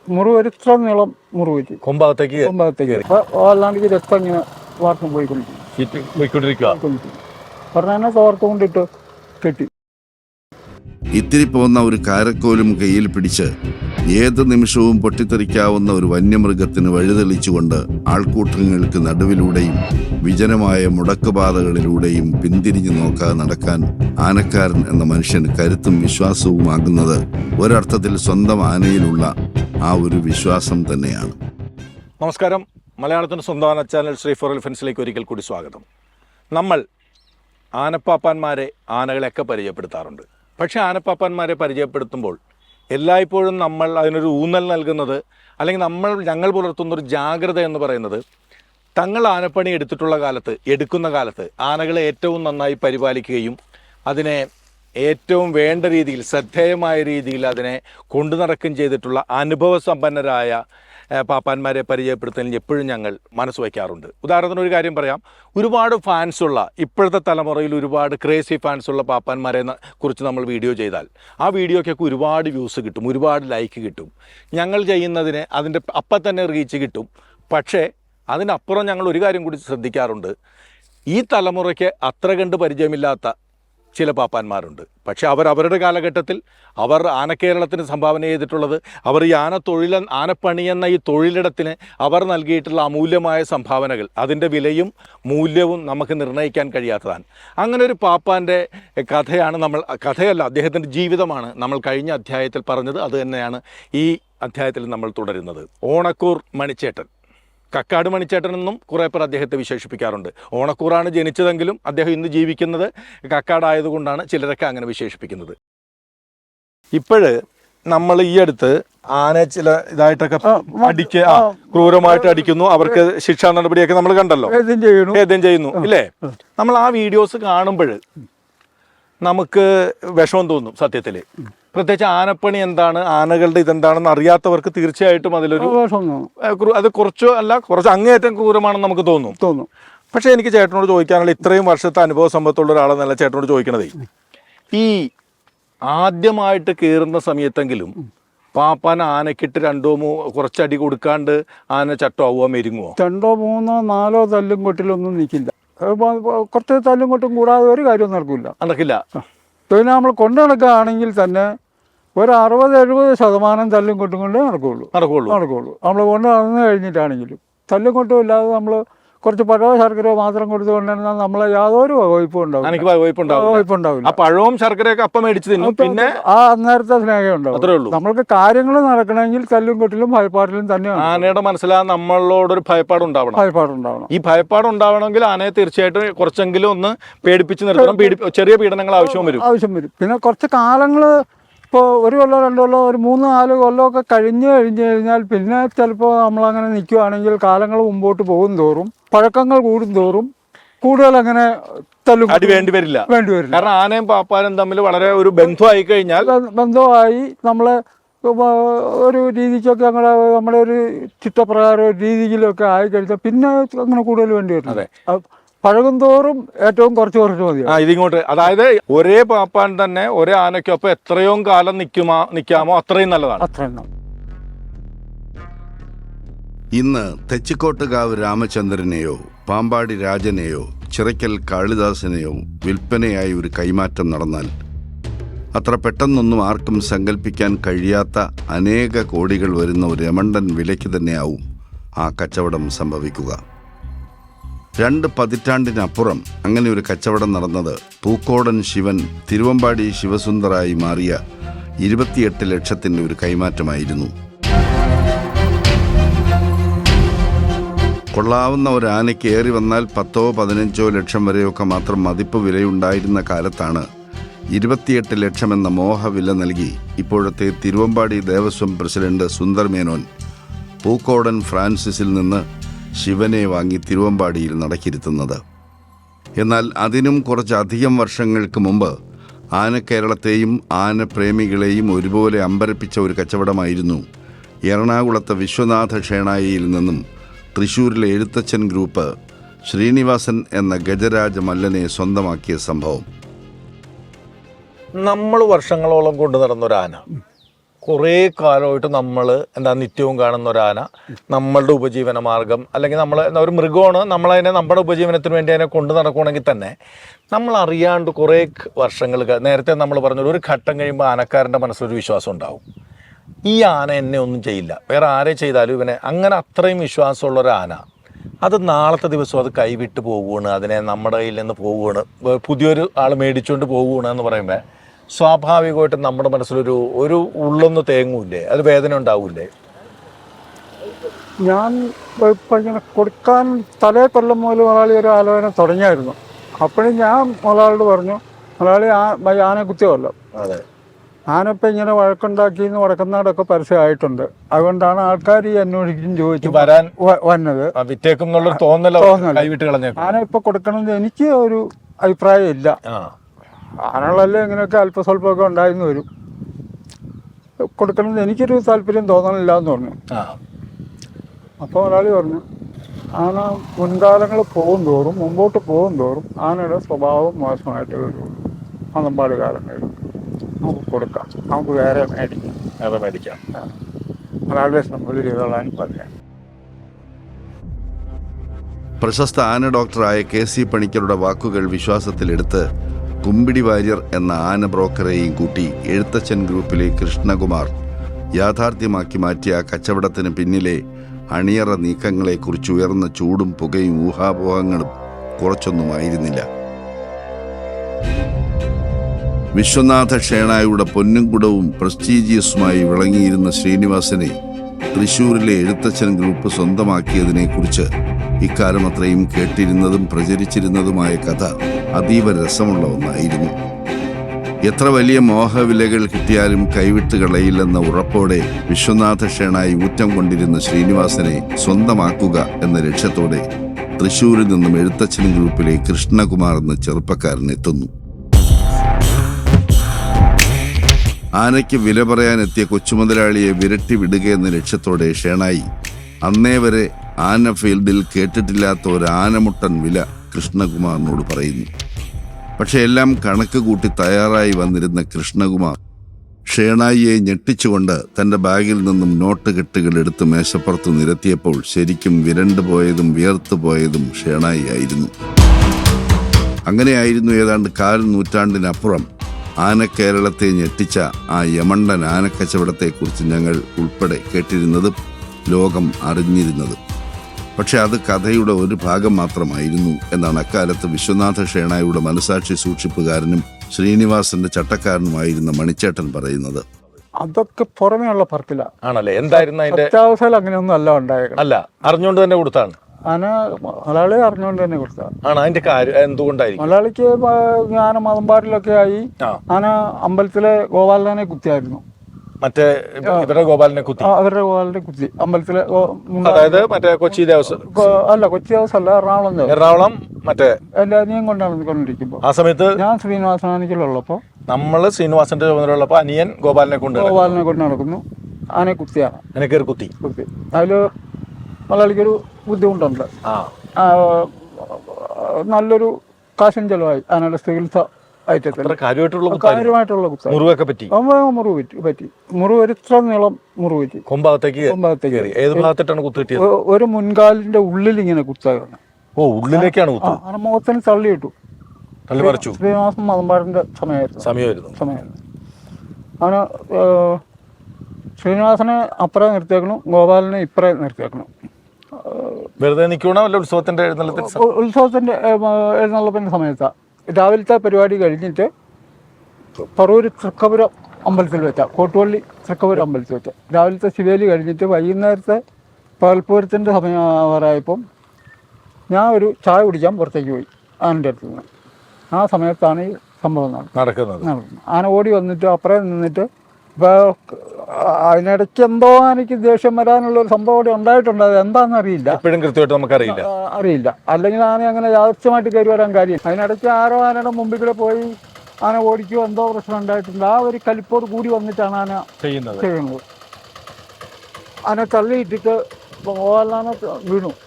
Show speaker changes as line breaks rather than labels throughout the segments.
മുറിവ് ഇത്ര നീളം മുറിവ്
കൊമ്പകത്തേക്ക്
അല്ലാണ്ട് രക്തം ഇങ്ങനെ വാർത്തം
പോയിക്കൊണ്ടിരിക്കുക.
പറഞ്ഞാൽ തോർത്തുകൊണ്ടിട്ട് കെട്ടി.
ഇത്തിരി പോന്ന ഒരു കാരക്കോലും കയ്യിൽ പിടിച്ച് ഏത് നിമിഷവും പൊട്ടിത്തെറിക്കാവുന്ന ഒരു വന്യമൃഗത്തിന് വഴിതെളിച്ചുകൊണ്ട് ആൾക്കൂട്ടങ്ങൾക്ക് നടുവിലൂടെയും വിജനമായ മുടക്കുപാതകളിലൂടെയും പിന്തിരിഞ്ഞു നോക്കാതെ നടക്കാൻ ആനക്കാരൻ എന്ന മനുഷ്യന് കരുത്തും വിശ്വാസവുമാകുന്നത് ഒരർത്ഥത്തിൽ സ്വന്തം ആനയിലുള്ള ആ ഒരു വിശ്വാസം തന്നെയാണ്.
നമസ്കാരം. മലയാളത്തിൻ്റെ സ്വന്തം ആന ചാനൽ ശ്രീ ഫോർ എലിഫൻസിലേക്ക് ഒരിക്കൽ കൂടി സ്വാഗതം. നമ്മൾ ആനപ്പാപ്പാന്മാരെ ആനകളെയൊക്കെ പരിചയപ്പെടുത്താറുണ്ട്. പക്ഷേ ആനപ്പാപ്പാന്മാരെ പരിചയപ്പെടുത്തുമ്പോൾ എല്ലായ്പ്പോഴും നമ്മൾ അതിനൊരു ഊന്നൽ നൽകുന്നത്, അല്ലെങ്കിൽ ഞങ്ങൾ പുലർത്തുന്നൊരു ജാഗ്രത എന്ന് പറയുന്നത്, തങ്ങൾ ആനപ്പണി എടുക്കുന്ന കാലത്ത് ആനകളെ ഏറ്റവും നന്നായി പരിപാലിക്കുകയും അതിനെ ഏറ്റവും വേണ്ട രീതിയിൽ ശ്രദ്ധേയമായ രീതിയിൽ അതിനെ കൊണ്ടു നടക്കുകയും ചെയ്തിട്ടുള്ള അനുഭവസമ്പന്നരായ പാപ്പാന്മാരെ പരിചയപ്പെടുത്തുന്നതിൽ എപ്പോഴും ഞങ്ങൾ മനസ്സ് വയ്ക്കാറുണ്ട്. ഉദാഹരണത്തിന് ഒരു കാര്യം പറയാം. ഒരുപാട് ഫാൻസുള്ള, ഇപ്പോഴത്തെ തലമുറയിൽ ഒരുപാട് ക്രേസി ഫാൻസുള്ള പാപ്പാന്മാരെ കുറിച്ച് നമ്മൾ വീഡിയോ ചെയ്താൽ ആ വീഡിയോക്കൊക്കെ ഒരുപാട് വ്യൂസ് കിട്ടും, ഒരുപാട് ലൈക്ക് കിട്ടും. ഞങ്ങൾ ചെയ്യുന്നതിന് അതിൻ്റെ അപ്പം തന്നെ റീച്ച് കിട്ടും. പക്ഷേ അതിനപ്പുറം ഞങ്ങൾ ഒരു കാര്യം കൂടി ശ്രദ്ധിക്കാറുണ്ട്. ഈ തലമുറയ്ക്ക് അത്ര കണ്ട് പരിചയമില്ലാത്ത ചില പാപ്പാന്മാരുണ്ട്. പക്ഷേ അവരുടെ കാലഘട്ടത്തിൽ അവർ ആനക്കേരളത്തിന് സംഭാവന ചെയ്തിട്ടുള്ളത്, അവർ ഈ ആനപ്പണി എന്ന ഈ തൊഴിലിടത്തിന് അവർ നൽകിയിട്ടുള്ള അമൂല്യമായ സംഭാവനകൾ, അതിൻ്റെ വിലയും മൂല്യവും നമുക്ക് നിർണ്ണയിക്കാൻ കഴിയാത്തതാണ്. അങ്ങനെ ഒരു പാപ്പാൻ്റെ കഥയല്ല, അദ്ദേഹത്തിൻ്റെ ജീവിതമാണ് നമ്മൾ കഴിഞ്ഞ അധ്യായത്തിൽ പറഞ്ഞത്. അത് തന്നെയാണ് ഈ അധ്യായത്തിൽ നമ്മൾ തുടരുന്നത്. ഓണക്കൂർ മണിച്ചേട്ടൻ, കക്കാട് മണിച്ചേട്ടനെന്നും കുറേ പേർ അദ്ദേഹത്തെ വിശേഷിപ്പിക്കാറുണ്ട്. ഓണക്കൂറാണ് ജനിച്ചതെങ്കിലും അദ്ദേഹം ഇന്ന് ജീവിക്കുന്നത് കക്കാടായതുകൊണ്ടാണ് ചിലരൊക്കെ അങ്ങനെ വിശേഷിപ്പിക്കുന്നത്. ഇപ്പോഴ് നമ്മൾ ഈ അടുത്ത് ആനയെ ചില ഇതായിട്ടൊക്കെ ക്രൂരമായിട്ട് അടിക്കുന്നു, അവർക്ക് ശിക്ഷാ നടപടിയൊക്കെ നമ്മൾ കണ്ടല്ലോ, ഭേദം ചെയ്യുന്നു ഇല്ലേ? നമ്മൾ ആ വീഡിയോസ് കാണുമ്പോൾ നമുക്ക് വിഷമം തോന്നും സത്യത്തിൽ. പ്രത്യേകിച്ച് ആനപ്പണി എന്താണ്, ആനകളുടെ ഇതെന്താണെന്ന് അറിയാത്തവർക്ക് തീർച്ചയായിട്ടും അതിലൊരു അത് കുറച്ച് അങ്ങേയറ്റം ക്രൂരമാണെന്ന് നമുക്ക് തോന്നും. പക്ഷേ എനിക്ക് ചേട്ടനോട് ചോദിക്കാനുള്ള, ഇത്രയും വർഷത്തെ അനുഭവ സമ്പത്തുള്ള ഒരാളെന്നല്ല ചേട്ടനോട് ചോദിക്കണതേ, ഈ ആദ്യമായിട്ട് കയറുന്ന സമയത്തെങ്കിലും പാപ്പാൻ ആനക്കിട്ട് കുറച്ചടി കൊടുക്കാണ്ട് ആന ചട്ടമാവുക, മെരുങ്ങുമോ? 2, 3, 4
തല്ലും കൊട്ടിലൊന്നും നിൽക്കില്ല. കുറച്ച് തല്ലും കൊട്ടും കൂടാതെ ഒരു കാര്യവും നടക്കില്ല. പിന്നെ നമ്മൾ കൊണ്ടു നടക്കുകയാണെങ്കിൽ തന്നെ ഒരു 60-70% തല്ലും കൊട്ടും കൊണ്ട് നടക്കുള്ളൂ. നമ്മൾ കൊണ്ട് നടന്നു കഴിഞ്ഞിട്ടാണെങ്കിലും തല്ലും കൊട്ടും ഇല്ലാതെ നമ്മൾ കുറച്ച് പഴവും ശർക്കരയോ മാത്രം കൊടുത്തുകൊണ്ടിരുന്നാൽ നമ്മളെ യാതൊരു വകുപ്പും ഉണ്ടാവില്ല.
പഴവും ശർക്കരയൊക്കെ അപ്പം മേടിച്ച് തിന്നും, പിന്നെ
ആ അന്നേരത്തെ സ്നേഹം ഉണ്ടാവും. നമ്മൾക്ക് കാര്യങ്ങൾ നടക്കണമെങ്കിൽ തല്ലും കൊട്ടിലും ഭയപ്പാടിലും തന്നെയാണ്.
ആനയുടെ മനസ്സിലാ നമ്മളോടൊരു ഭയപ്പാടുണ്ടാവണം. ഈ ഭയപ്പാടുണ്ടാവണമെങ്കിൽ ആനയെ തീർച്ചയായിട്ടും കുറച്ചെങ്കിലും ഒന്ന് പേടിപ്പിച്ച് നിർത്തണം. ചെറിയ പീഡനങ്ങൾ ആവശ്യം വരും.
പിന്നെ കുറച്ച് കാലങ്ങൾ, ഇപ്പോൾ 1 കൊല്ലം 2 കൊല്ലം ഒരു 3-4 കൊല്ലമൊക്കെ കഴിഞ്ഞ് കഴിഞ്ഞാൽ പിന്നെ ചിലപ്പോൾ നമ്മളങ്ങനെ നിൽക്കുകയാണെങ്കിൽ കാലങ്ങൾ മുമ്പോട്ട് പോകും തോറും, പഴക്കങ്ങൾ കൂടും തോറും കൂടുതൽ അങ്ങനെ
അടി വേണ്ടി വരില്ല. കാരണം ആനയും പാപ്പാനും തമ്മിൽ വളരെ ഒരു
ബന്ധമായി നമ്മളെ ഒരു രീതിക്കൊക്കെ നമ്മുടെ ഒരു ചിട്ടപ്രകാരം ഒരു രീതിയിലൊക്കെ ആയിക്കഴിഞ്ഞാൽ പിന്നെ അങ്ങനെ കൂടുതൽ വേണ്ടി വരും. പഴകും തോറും ഏറ്റവും കുറച്ച് മതി.
ഇതിങ്ങോട്ട്, അതായത് ഒരേ പാപ്പാൻ തന്നെ ഒരേ ആനയ്ക്കൊപ്പം എത്രയോ കാലം നിൽക്കാമോ അത്രയും നല്ലതാണ്.
ഇന്ന് തെച്ചിക്കോട്ടുകാവ് രാമചന്ദ്രനെയോ പാമ്പാടി രാജനെയോ ചിറയ്ക്കൽ കാളിദാസനെയോ വിൽപ്പനയായി ഒരു കൈമാറ്റം നടന്നാൽ അത്ര പെട്ടെന്നൊന്നും ആർക്കും സങ്കല്പിക്കാൻ കഴിയാത്ത അനേക കോടികൾ വരുന്ന ഒരു രമണ്ടൻ വിലയ്ക്ക് തന്നെയാവും ആ കച്ചവടം സംഭവിക്കുക. 2 പതിറ്റാണ്ടിനപ്പുറം അങ്ങനെ ഒരു കച്ചവടം നടന്നത് പൂക്കോടൻ ശിവൻ തിരുവമ്പാടി ശിവസുന്ദറായി മാറിയ 28 ലക്ഷത്തിൻ്റെ ഒരു കൈമാറ്റമായിരുന്നു. കൊള്ളാവുന്ന ഒരു ആനയ്ക്ക് ഏറി വന്നാൽ 10-15 ലക്ഷം വരെയൊക്കെ മാത്രം മതിപ്പ് വിലയുണ്ടായിരുന്ന കാലത്താണ് 28 ലക്ഷം എന്ന മോഹവില നൽകി ഇപ്പോഴത്തെ തിരുവമ്പാടി ദേവസ്വം പ്രസിഡന്റ് സുന്ദർ മേനോൻ പൂക്കോടൻ ഫ്രാൻസിസിൽ നിന്ന് ശിവനെ വാങ്ങി തിരുവമ്പാടിയിൽ നടക്കിരുത്തുന്നത്. എന്നാൽ അതിനും കുറച്ചധികം വർഷങ്ങൾക്ക് മുമ്പ് ആനക്കേരളത്തെയും ആനപ്രേമികളെയും ഒരുപോലെ അമ്പരപ്പിച്ച ഒരു കച്ചവടമായിരുന്നു എറണാകുളത്തെ വിശ്വനാഥ ക്ഷേണായിയിൽ നിന്നും തൃശ്ശൂരിലെ എഴുത്തച്ഛൻ ഗ്രൂപ്പ് ശ്രീനിവാസൻ എന്ന ഗജരാജ മല്ലനെ സ്വന്തമാക്കിയ സംഭവം.
നമ്മൾ വർഷങ്ങളോളം കൊണ്ടു നടന്നൊരാന കുറേ കാലമായിട്ട് നമ്മൾ എന്താ നിത്യവും കാണുന്ന ഒരു ആന നമ്മളുടെ ഉപജീവന മാർഗം അല്ലെങ്കിൽ നമ്മൾ ഒരു മൃഗമാണ്, നമ്മളതിനെ നമ്മുടെ ഉപജീവനത്തിന് വേണ്ടി അതിനെ കൊണ്ടു നടക്കുകയാണെങ്കിൽ തന്നെ നമ്മൾ അറിയാണ്ട് കുറേ വർഷങ്ങൾ നേരത്തെ നമ്മൾ പറഞ്ഞൊരു ഒരു ഘട്ടം കഴിയുമ്പോൾ ആനക്കാരൻ്റെ മനസ്സിലൊരു വിശ്വാസം ഉണ്ടാവും, ഈ ആന എന്നെ ഒന്നും ചെയ്യില്ല, വേറെ ആരെ ചെയ്താലും ഇവനെ, അങ്ങനെ അത്രയും വിശ്വാസമുള്ള ഒരു ആന അത് നാളത്തെ ദിവസം അത് കൈവിട്ട് പോവുകയാണ്, അതിനെ നമ്മുടെ കയ്യിൽ നിന്ന് പോവുകയാണ്, പുതിയൊരു ആൾ മേടിച്ചുകൊണ്ട് പോവുകയാണ് എന്ന് പറയുമ്പോൾ സ്വാഭാവികമായിട്ടും നമ്മുടെ മനസ്സിലൊരു ഉള്ളൊന്ന് തേങ്ങൂല്ലേ, അത് വേദന ഉണ്ടാവൂലേ?
ഞാൻ ഇപ്പം ഇങ്ങനെ കൊടുക്കാൻ തലേ കൊല്ലം മുതൽ മുതലാളി ഒരു ആലോചന തുടങ്ങിയായിരുന്നു. അപ്പോഴും ഞാൻ മുതലാളിയോട് പറഞ്ഞു, മുതലാളി ആന കുത്തിയല്ലോ,
അതെ,
ആനപ്പം ഇങ്ങനെ വഴക്കുണ്ടാക്കിയെന്ന് വടക്കനാടൊക്കെ പരസ്യമായിട്ടുണ്ട്, അതുകൊണ്ടാണ് ആൾക്കാർ ഈ അന്വേഷിക്കും ചോദിച്ചു
വരാൻ
വന്നത്.
വിറ്റേക്കും എന്നുള്ളൊരു തോന്നലോ കൈവിട്ട് കളഞ്ഞ
ആന ഇപ്പം കൊടുക്കണമെന്ന് എനിക്ക് ഒരു അഭിപ്രായം ഇല്ല. ആനകളല്ലേ ഇങ്ങനെയൊക്കെ അല്പസ്വല്പമൊക്കെ ഉണ്ടായിരുന്നു വരും, കൊടുക്കണമെന്ന് എനിക്കൊരു താല്പര്യം തോന്നണില്ല എന്ന് പറഞ്ഞു. അപ്പോൾ ഒരാളി പറഞ്ഞു, ആന മുൻകാലങ്ങൾ പോകും തോറും മുമ്പോട്ട് പോകും തോറും ആനയുടെ സ്വഭാവം മോശമായിട്ട് വരുള്ളൂ, മതമ്പാട് കാലങ്ങളിൽ നമുക്ക് കൊടുക്കാം, നമുക്ക് വേറെ മേടിക്കാം, ഒരാളുടെ നമ്മൾ ചെയ്തോളാൻ പറയാം.
പ്രശസ്ത ആന ഡോക്ടറായ KC പണിക്കരുടെ വാക്കുകൾ വിശ്വാസത്തിലെടുത്ത് കുമ്പിടി വാര്യർ എന്ന ആന ബ്രോക്കറെയും കൂട്ടി എഴുത്തച്ഛൻ ഗ്രൂപ്പിലെ കൃഷ്ണകുമാർ യാഥാർത്ഥ്യമാക്കി മാറ്റിയ കച്ചവടത്തിന് പിന്നിലെ അണിയറ നീക്കങ്ങളെക്കുറിച്ച് ഉയർന്ന ചൂടും പുകയും ഊഹാപോഹങ്ങളും കുറച്ചൊന്നുമായിരുന്നില്ല. വിശ്വനാഥ ഷേണായുടെ പൊന്നും കുടവും പ്രസ്റ്റീജിയസുമായി വിളങ്ങിയിരുന്ന ശ്രീനിവാസനെ തൃശൂരിലെ എഴുത്തച്ഛൻ ഗ്രൂപ്പ് സ്വന്തമാക്കിയതിനെക്കുറിച്ച് ഇക്കാലം അത്രയും കേട്ടിരുന്നതും പ്രചരിച്ചിരുന്നതുമായ കഥ അതീവ രസമുള്ള ഒന്നായിരുന്നു. എത്ര വലിയ മോഹവിലകൾ കിട്ടിയാലും കൈവിട്ട് കളയില്ലെന്ന ഉറപ്പോടെ വിശ്വനാഥ ഷേണായി ഊറ്റം കൊണ്ടിരുന്ന ശ്രീനിവാസനെ സ്വന്തമാക്കുക എന്ന ലക്ഷ്യത്തോടെ തൃശൂരിൽ നിന്നും എഴുത്തച്ഛൻ ഗ്രൂപ്പിലെ കൃഷ്ണകുമാർ എന്ന ചെറുപ്പക്കാരൻ എത്തുന്നു. ആനയ്ക്ക് വില പറയാനെത്തിയ കൊച്ചുമുതലാളിയെ വിരട്ടി വിടുക എന്ന ലക്ഷ്യത്തോടെ ഷേണായി അന്നേ വരെ ആന ഫീൽഡിൽ കേട്ടിട്ടില്ലാത്ത ഒരു ആനമുട്ടൻ വില കൃഷ്ണകുമാറിനോട് പറയുന്നു. പക്ഷെ എല്ലാം കണക്ക് കൂട്ടി തയ്യാറായി വന്നിരുന്ന കൃഷ്ണകുമാർ ഷേണായിയെ ഞെട്ടിച്ചുകൊണ്ട് തൻ്റെ ബാഗിൽ നിന്നും നോട്ട് കെട്ടുകൾ എടുത്ത് മേശപ്പുറത്ത് നിരത്തിയപ്പോൾ ശരിക്കും വിരണ്ടു പോയതും വിയർത്തു പോയതും ഷേണായി ആയിരുന്നു. അങ്ങനെയായിരുന്നു ഏതാണ്ട് 1/4 നൂറ്റാണ്ടിനപ്പുറം ആനക്കേരളത്തെ ഞെട്ടിച്ച ആ യമണ്ടൻ ആനക്കച്ചവടത്തെക്കുറിച്ച് ഞങ്ങൾ ഉൾപ്പെടെ കേട്ടിരുന്നതും ലോകം അറിഞ്ഞിരുന്നതും. പക്ഷെ അത് കഥയുടെ ഒരു ഭാഗം മാത്രമായിരുന്നു എന്നാണ് അക്കാലത്ത് വിശ്വനാഥ ഷേണായുടെ മനസാക്ഷി സൂക്ഷിപ്പുകാരനും ശ്രീനിവാസന്റെ ചട്ടക്കാരനുമായിരുന്ന മണിച്ചേട്ടൻ പറയുന്നത്.
അതൊക്കെ പുറമേയുള്ള പറക്കില്ല
ആണല്ലേ? എന്തായിരുന്നു അതിന്റെ
സത്യാവസ്ഥയിൽ അങ്ങനെയൊന്നും അല്ല ഉണ്ടായേക്കണം.
അല്ല, അറിഞ്ഞുകൊണ്ട് തന്നെ കൊടുത്താണ്.
ആന മലയാളി അറിഞ്ഞുകൊണ്ട് തന്നെ കൊടുത്തതാണ്.
ആണ് അതിന്റെ കാര്യം എന്തുകൊണ്ടായിരിക്കും?
മലയാളിക്ക് ആന മതമ്പാടിലൊക്കെ ആയി ആന അമ്പലത്തിലെ ഗോപാലനെ കുത്തിയായിരുന്നു.
മറ്റേ ഇവരുടെ ഗോപാലിനെ കുത്തി,
അവരുടെ ഗോപാലിനെ കുത്തി അമ്പലത്തിലെ,
അതായത് മറ്റേ കൊച്ചി ദേവസ്വം
അല്ല, കൊച്ചി ദേവസ്വം അല്ല,
എറണാകുളം മറ്റേ
എൻ്റെ അനിയൻ കൊണ്ടിരിക്കുമ്പോൾ
ആ സമയത്ത് ഞാൻ
ശ്രീനിവാസനാനിക്കലുള്ളപ്പോ
നമ്മള് ശ്രീനിവാസന്റെ ചുമതലയുള്ളപ്പോ അനിയൻ ഗോപാലിനെ കൊണ്ട്
നടക്കുന്നു. ആനയെ കുത്തിയാണ്,
അതിനെ കയറി കുത്തി.
അതില് മലയാളിക്കൊരു ബുദ്ധിമുട്ടുണ്ട്. നല്ലൊരു കാശും ചെലവായി ആനയുടെ ചികിത്സ കാര്യമായിട്ടുള്ള
മുറിവൊക്കെ പറ്റി.
മുറിവ് പറ്റി. മുറിവ് ഇത്ര നീളം മുറിവ് പറ്റി.
കൊമ്പകത്തേക്ക് ഏത് ഭാഗത്തിട്ടാണ് കുത്ത് കിട്ടിയത്?
ഒരു മുൻകാലിന്റെ ഉള്ളിൽ ഇങ്ങനെ കുത്തായിരുന്നു.
ഓ, ഉള്ളിലേക്കാണ് കുത്ത്.
മുഖത്തിന് തള്ളിയിട്ടു.
തള്ളിമറിച്ചു.
ശ്രീനിവാസൻ മതമ്പാടിന്റെ സമയമായിരുന്നു. അവന് ശ്രീനിവാസനെ അപ്പുറം നിർത്തിയേക്കണം, ഗോപാലിനെ ഇപ്പുറം നിർത്തിയേക്കണം.
വെറുതെ നിൽക്കണോ അല്ല ഉത്സവത്തിന്റെ
എഴുന്നള്ളപ്പിന്റെ സമയത്താണ്. രാവിലത്തെ പരിപാടി കഴിഞ്ഞിട്ട് പറവൂര് തൃക്കപുരം അമ്പലത്തിൽ വെച്ച, കോട്ടുപള്ളി തൃക്കപുരം അമ്പലത്തിൽ വെച്ച രാവിലത്തെ ശിവേലി കഴിഞ്ഞിട്ട് വൈകുന്നേരത്തെ പകൽപ്പൂരത്തിൻ്റെ സമയമായപ്പം ഞാൻ ഒരു ചായ കുടിക്കാൻ പുറത്തേക്ക് പോയി ആനൻ്റെ അടുത്ത് നിന്ന്. ആ സമയത്താണ് ഈ സംഭവം നടക്കുന്നത്. ആന ഓടി വന്നിട്ട് അപ്പുറം നിന്നിട്ട് ഇപ്പോൾ അതിനിടയ്ക്ക് എന്തോ എനിക്ക് ദേഷ്യം വരാനുള്ളൊരു സംഭവം കൂടി ഉണ്ടായിട്ടുണ്ട്. അത് എന്താണെന്ന് അറിയില്ല, അറിയില്ല. അല്ലെങ്കിൽ ആന അങ്ങനെ യാദൃശ്യമായിട്ട് കയറി വരാൻ കാര്യം. അതിനിടയ്ക്ക് ആരോ ആനയുടെ മുമ്പിൽ കൂടെ പോയി ആന ഓടിക്കുകയോ എന്തോ പ്രശ്നം ഉണ്ടായിട്ടുണ്ട്. ആ ഒരു കലിപ്പോട് കൂടി വന്നിട്ടാണ് ആന ചെയ്യുന്നത്. ആന തള്ളിയിട്ടിട്ട് ഗോപാലനാന വീണു.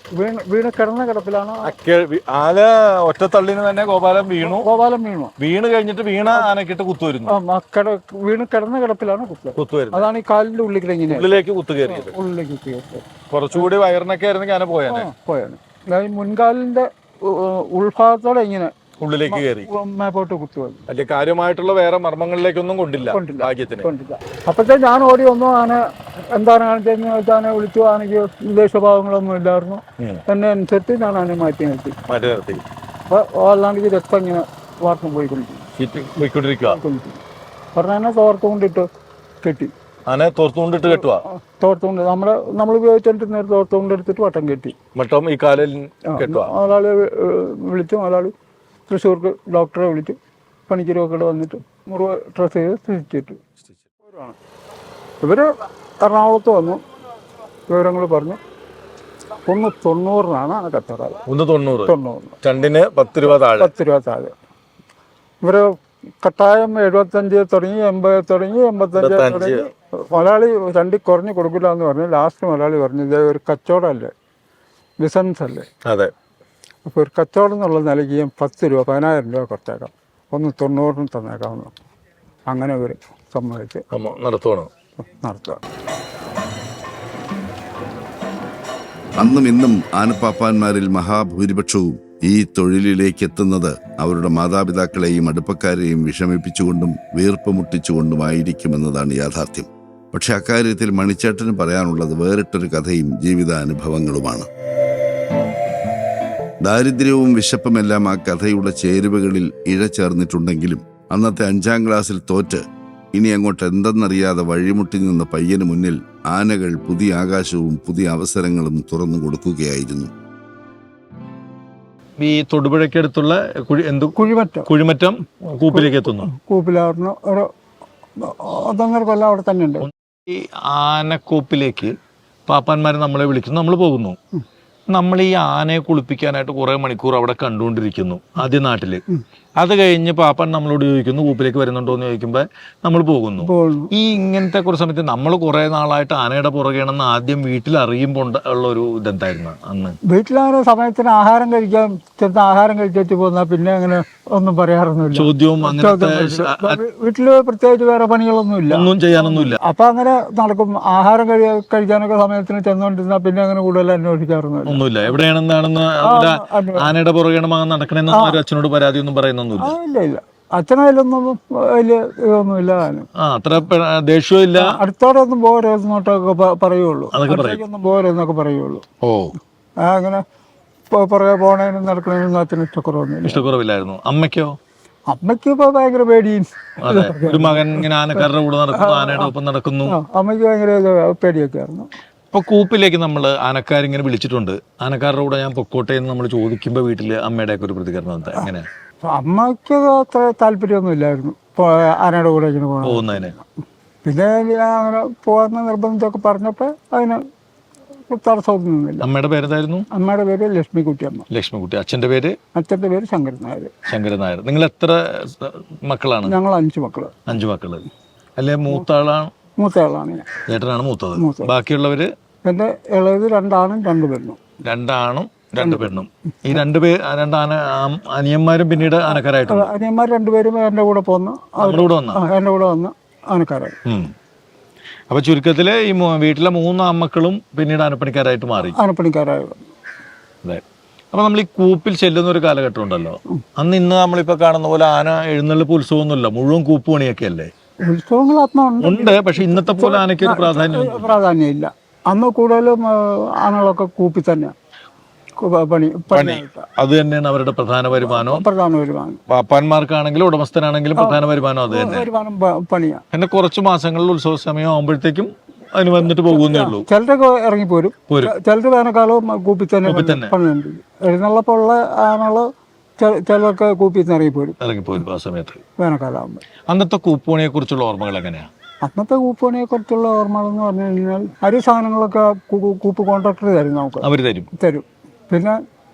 വീണ് കിടന്ന കിടപ്പിലാണ്.
ആന ഒറ്റത്തള്ളിന് തന്നെ ഗോപാലൻ
ഗോപാലൻ വീണു.
വീണ് കഴിഞ്ഞിട്ട് വീണ ആനക്കിട്ട് കുത്തു വരുന്നു.
വീണ് കിടന്ന കിടപ്പിലാണ്
കുത്തു വരുന്നത്.
അതാണ് ഈ കാലിന്റെ ഉള്ളിൽ ഇങ്ങനെ
ഉള്ളിലേക്ക് കുത്തു കയറിയത്.
ഉള്ളിലേക്ക് കയറിയത്.
കുറച്ചുകൂടി വയറിനൊക്കെ ആയിരുന്നെങ്കിൽ ആന പോയാണ്.
മുൻകാലിന്റെ ഉൾഭാഗത്തോടെ ഇങ്ങനെ
ഉള്ളിലേക്ക് കയറി
മേപ്പോട്ട് കുത്തു വന്നു.
വലിയ കാര്യമായിട്ടുള്ള വേറെ മർമ്മങ്ങളിലേക്കൊന്നും കൊണ്ടില്ല.
അപ്പോഴത്തെ ഞാൻ ഓടി വന്നു. ആന എന്താണ് കാണിച്ചതെന്ന് വെച്ചാൽ ആനെ വിളിച്ചു. ആനയ്ക്ക് ദേശഭാവങ്ങളൊന്നും ഇല്ലായിരുന്നു. എന്നെ അനുസരിച്ച് ഞാൻ ആനെ മാറ്റി നിർത്തി. അപ്പൊ അല്ലാണ്ട് രക്തം ഇങ്ങനെ വാർത്തും പോയിക്കൊണ്ടിരിക്കുക. പറഞ്ഞ തോർത്തുകൊണ്ടിട്ട് കെട്ടി.
ആന തോർത്തുകൊണ്ടിട്ട് കെട്ടുക.
തോർത്തുകൊണ്ട് നമ്മൾ ഉപയോഗിച്ചിട്ട് തോർത്തുകൊണ്ടെടുത്തിട്ട് വട്ടം കെട്ടി.
വട്ടം ഈ കാലിൽ കെട്ടുക.
ഒരാളെ വിളിച്ചു. ഒരാൾ തൃശ്ശൂർക്ക് ഡോക്ടറെ വിളിച്ചു. പണിക്കരൊക്കെ വന്നിട്ട് മുറിവ് ഡ്രസ് ചെയ്ത് സ്ഥിതിച്ചിട്ടു. ഇവർ എറണാകുളത്ത് വന്നു. വിവരങ്ങൾ പറഞ്ഞു. 190 ആന കച്ചവടം.
190. രണ്ടിന് 10 രൂപ താഴെ.
10 രൂപ താഴെ. ഇവർ കട്ടായം 75 തുടങ്ങി, 80 തുടങ്ങി, 85 തുടങ്ങി. മലയാളി രണ്ടി കുറഞ്ഞ് കൊടുക്കില്ല എന്ന് പറഞ്ഞു. ലാസ്റ്റ് മലയാളി പറഞ്ഞു, ഇതേ ഒരു കച്ചവടമല്ലേ, ബിസിനസ് അല്ലേ.
അതെ.
അപ്പോൾ ഒരു കച്ചവടം എന്നുള്ള നിലയ്ക്ക് 10 രൂപ 10,000 രൂപ കുറച്ചേക്കാം, 190 തന്നേക്കാമെന്ന്. അങ്ങനെ ഇവർ സമ്മതിച്ച് നടത്തുക.
അന്നും ഇന്നും ആനപ്പാപ്പാന്മാരിൽ മഹാഭൂരിപക്ഷവും ഈ തൊഴിലിലേക്ക് എത്തുന്നത് അവരുടെ മാതാപിതാക്കളെയും അടുപ്പക്കാരെയും വിഷമിപ്പിച്ചുകൊണ്ടും വീർപ്പ് മുട്ടിച്ചുകൊണ്ടുമായിരിക്കുമെന്നതാണ് യാഥാർത്ഥ്യം. പക്ഷെ അക്കാര്യത്തിൽ മണിച്ചേട്ടന് പറയാനുള്ളത് വേറിട്ടൊരു കഥയും ജീവിതാനുഭവങ്ങളുമാണ്. ദാരിദ്ര്യവും വിശപ്പുമെല്ലാം ആ കഥയുടെ ചേരുവകളിൽ ഇഴചേർന്നിട്ടുണ്ടെങ്കിലും അന്നത്തെ 5ാം ക്ലാസ്സിൽ തോറ്റ് ഇനി അങ്ങോട്ട് എന്തെന്നറിയാതെ വഴിമുട്ടി നിന്ന പയ്യന് മുന്നിൽ ആനകൾ പുതിയ ആകാശവും പുതിയ അവസരങ്ങളും തുറന്നു കൊടുക്കുകയായിരുന്നു.
ഈ തൊടുപുഴയ്ക്കടുത്തുള്ള കുഴിമറ്റം കൂപ്പിലേക്ക് എത്തുന്നു.
കൂപ്പിലായിരുന്നു ഒരു 1.5 കൊല്ലം അവിടെ തന്നെ ഉണ്ട്.
ഈ ആനക്കൂപ്പിലേക്ക് പാപ്പാന്മാർ നമ്മളെ വിളിക്കുന്നു, നമ്മൾ പോകുന്നു. നമ്മൾ ഈ ആനയെ കുളിപ്പിക്കാനായിട്ട് കുറെ മണിക്കൂർ അവിടെ കണ്ടുകൊണ്ടിരിക്കുന്നു ആദ്യ നാട്ടില്. അത് കഴിഞ്ഞ് പാപ്പൻ നമ്മളോട് ചോദിക്കുന്നു കൂപ്പിലേക്ക് വരുന്നുണ്ടോ എന്ന് ചോദിക്കുമ്പോൾ നമ്മൾ പോകുന്നു. ഈ ഇങ്ങനത്തെ കുറച്ച് സമയത്ത് നമ്മൾ കുറെ നാളായിട്ട് ആനയുടെ പുറകെയാണെന്ന് ആദ്യം വീട്ടിൽ അറിയുമ്പോൾ ഉള്ള ഒരു ഇതെന്തായിരുന്നു അന്ന്?
വീട്ടിലാകുന്ന സമയത്തിന് ആഹാരം കഴിക്കാൻ ചെറുത്ത ആഹാരം കഴിച്ചു പോന്നാൽ പിന്നെ അങ്ങനെ ഒന്നും പറയാറൊന്നുമില്ല.
ചോദ്യവും അങ്ങനത്തെ
വീട്ടില് പ്രത്യേകിച്ച് വേറെ പണികളൊന്നുമില്ല,
ഒന്നും ചെയ്യാനൊന്നുമില്ല.
അപ്പൊ അങ്ങനെ നടക്കും. ആഹാരം കഴിക്കാനൊക്കെ സമയത്തിന് ചെന്നോണ്ടിരുന്നാൽ പിന്നെ അങ്ങനെ കൂടുതൽ അന്വേഷിക്കാറൊന്നുമില്ല.
ഒന്നുമില്ല. എവിടെയാണെന്നാണെന്ന് ആനയുടെ പുറകെയാണ് മകൻ നടക്കണെന്ന് അച്ഛനോട് പരാതി ഒന്നും പറയുന്നൊന്നുമില്ല.
ഇല്ല. അച്ഛനതിലൊന്നും വലിയ ഇതൊന്നുമില്ല.
അത്ര ദേഷ്യവും ഇല്ല.
അടുത്തോടെ ഒന്നും പോരെന്നോട്ടൊക്കെ പറയുള്ളൂ. ഒന്നും പോരെന്നൊക്കെ പറയുള്ളൂ. അങ്ങനെ പുറകെ പോണേനും നടക്കണേനും അച്ഛന്
ഇഷ്ടക്കുറവില്ലായിരുന്നു. അമ്മയ്ക്കോ?
അമ്മയ്ക്ക് ഇപ്പൊ ഭയങ്കര പേടിയും.
ഒരു മകൻ ഇങ്ങനെ ആനക്കാരുടെ കൂടെ നടക്കുന്നു, ആനയുടെ ഒപ്പം നടക്കുന്നു.
അമ്മയ്ക്ക് ഭയങ്കര പേടിയൊക്കെ ആയിരുന്നു.
ഇപ്പൊ കൂപ്പിലേക്ക് നമ്മൾ ആനക്കാരിങ്ങനെ വിളിച്ചിട്ടുണ്ട്. ആനക്കാരുടെ കൂടെ ഞാൻ പൊക്കോട്ടെ എന്ന് നമ്മൾ ചോദിക്കുമ്പോൾ വീട്ടില് അമ്മയുടെ ഒക്കെ ഒരു പ്രതികരണം എന്താ? എങ്ങനെ?
അമ്മയ്ക്ക് അത്ര താല്പര്യമൊന്നും ഇല്ലായിരുന്നു ആനയുടെ കൂടെ ഇങ്ങനെ
പോകുന്നതിന്.
പിന്നെ അങ്ങനെ പോകാൻ നിർബന്ധമൊക്കെ പറഞ്ഞപ്പോൾ അതിന് തടസ്സമൊന്നുമില്ല.
അമ്മയുടെ പേരെന്തായിരുന്നു?
അമ്മയുടെ പേര് ലക്ഷ്മിക്കുട്ടിയമ്മ.
ലക്ഷ്മിക്കുട്ടി. അച്ഛന്റെ പേര്?
അച്ഛന്റെ പേര് ശങ്കരൻ നായർ.
ശങ്കരൻ നായർ. നിങ്ങൾ എത്ര മക്കളാണ്?
ഞങ്ങൾ 5 മക്കള്.
5 മക്കള്. അല്ലെ മൂത്താളാണ്?
മൂത്തയാളാണ് ഞാൻ.
ചേട്ടനാണ് മൂത്തത്. ബാക്കിയുള്ളവര്?
എന്റെ ഇളയത് 2 ആണും 2 പെണ്ണും.
2 ആണും 2 പെണ്ണും. ഈ 2 അനിയന്മാരും പിന്നീട് ആനക്കാരായിട്ടുണ്ട്.
അനിയന്മാർ 2 പേരും എന്റെ കൂടെ പോന്നു. എന്റെ കൂടെ വന്ന് ആനക്കാരായി.
അപ്പൊ ചുരുക്കത്തില് ഈ വീട്ടിലെ 3 ആൺമക്കളും പിന്നീട് ആനപ്പണിക്കാരായിട്ട് മാറി.
ആനപ്പണിക്കാരായി.
അതെ. അപ്പൊ നമ്മൾ ഈ കൂപ്പിൽ ചെല്ലുന്ന ഒരു കാലഘട്ടം ഉണ്ടല്ലോ. അന്ന് ഇന്ന് നമ്മളിപ്പോ കാണുന്ന പോലെ ആന എഴുന്നള്ളിപ്പ് ഉത്സവമൊന്നുമില്ല, മുഴുവൻ കൂപ്പ് പണിയൊക്കെ അല്ലേ?
ഉത്സവങ്ങൾ
ഉണ്ട്. പക്ഷെ ഇന്നത്തെ പോലെ ആനയ്ക്ക് ഒരു
പ്രാധാന്യം ഇല്ല. അന്ന് കൂടുതലും ആനകളൊക്കെ കൂപ്പി തന്നെയാണ് പണി.
അത് തന്നെയാണ് അവരുടെ പ്രധാന വരുമാനം.
പാപ്പാന്മാർക്കാണെങ്കിലും
ഉടമസ്ഥനാണെങ്കിലും പ്രധാന വരുമാനം അത് തന്നെ.
പണിയാണ്.
പിന്നെ കുറച്ച് മാസങ്ങളിൽ ഉത്സവ സമയം ആകുമ്പോഴത്തേക്കും അതിന് വന്നിട്ട് പോകുന്നേ ഉള്ളൂ.
ചിലരൊക്കെ ഇറങ്ങിപ്പോരും. ചിലർ വേനൽക്കാലവും കൂപ്പി തന്നെ പണിയുണ്ട്. എഴുന്നള്ളപ്പുള്ള ആനകള് ചിലർക്ക് കൂപ്പി ഇറങ്ങിപ്പോരും.
ആ സമയത്ത്
വേനൽക്കാലമാകുമ്പോൾ.
അന്നത്തെ കൂപ്പുപണിയെ കുറിച്ചുള്ള ഓർമ്മകൾ എങ്ങനെയാ?
അന്നത്തെ കൂപ്പുപണിയെ കുറിച്ചുള്ള ഓർമ്മകൾ എന്ന് പറഞ്ഞു കഴിഞ്ഞാൽ അരി സാധനങ്ങളൊക്കെ കൂപ്പ് കോൺട്രാക്ടർ തരും. നമുക്ക് അവർ തരും. പിന്നെ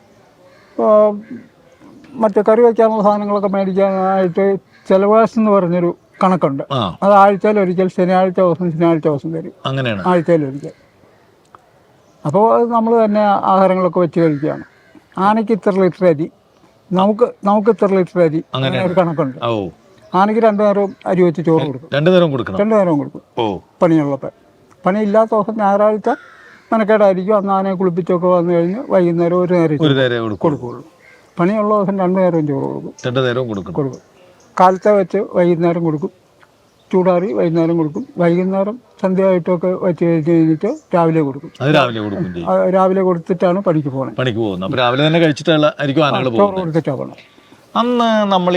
മറ്റേ കറി വയ്ക്കാനുള്ള സാധനങ്ങളൊക്കെ മേടിക്കാനായിട്ട് ചെലവാസ് എന്ന് പറഞ്ഞൊരു കണക്കുണ്ട്. അത് ആഴ്ചയിൽ ഒരിക്കൽ ശനിയാഴ്ച ദിവസം തരും.
അങ്ങനെയാണ്.
ആഴ്ചയിൽ ഒരിക്കൽ. അപ്പോൾ അത് നമ്മൾ തന്നെ ആഹാരങ്ങളൊക്കെ വെച്ച് കഴിക്കുകയാണ്. ആനയ്ക്ക് ഇത്ര ലിറ്റർ അരി, നമുക്ക് ഇത്ര ലിറ്റർ അരി, അങ്ങനെ ഒരു കണക്കുണ്ട്. ആനയ്ക്ക് 2 നേരവും അരി വെച്ച് ചോറ് കൊടുക്കും. 2 നേരവും കൊടുക്കും പണിയുള്ളപ്പോൾ. പണിയില്ലാത്ത ദിവസം ഞായറാഴ്ച മെനക്കേടായിരിക്കും. അന്ന് ആനയെ കുളിപ്പിച്ചൊക്കെ വന്നു കഴിഞ്ഞ് വൈകുന്നേരം ഒരു നേരം കൊടുക്കുകയുള്ളൂ. പണിയുള്ള ദിവസം 2 നേരവും ചോറ് കൊടുക്കും. കാലത്തെ വെച്ച് വൈകുന്നേരം കൊടുക്കും. ചൂടാറി വൈകുന്നേരം കൊടുക്കും. വൈകുന്നേരം സന്ധ്യയായിട്ടൊക്കെ വെച്ച് കഴിഞ്ഞിട്ട് രാവിലെ കൊടുക്കും. രാവിലെ കൊടുത്തിട്ടാണ് പണിക്ക് പോകുന്നത്.
രാവിലെ തന്നെ
ചോറ് കൊടുത്തിട്ടാണ് പോകണം.
അന്ന് നമ്മൾ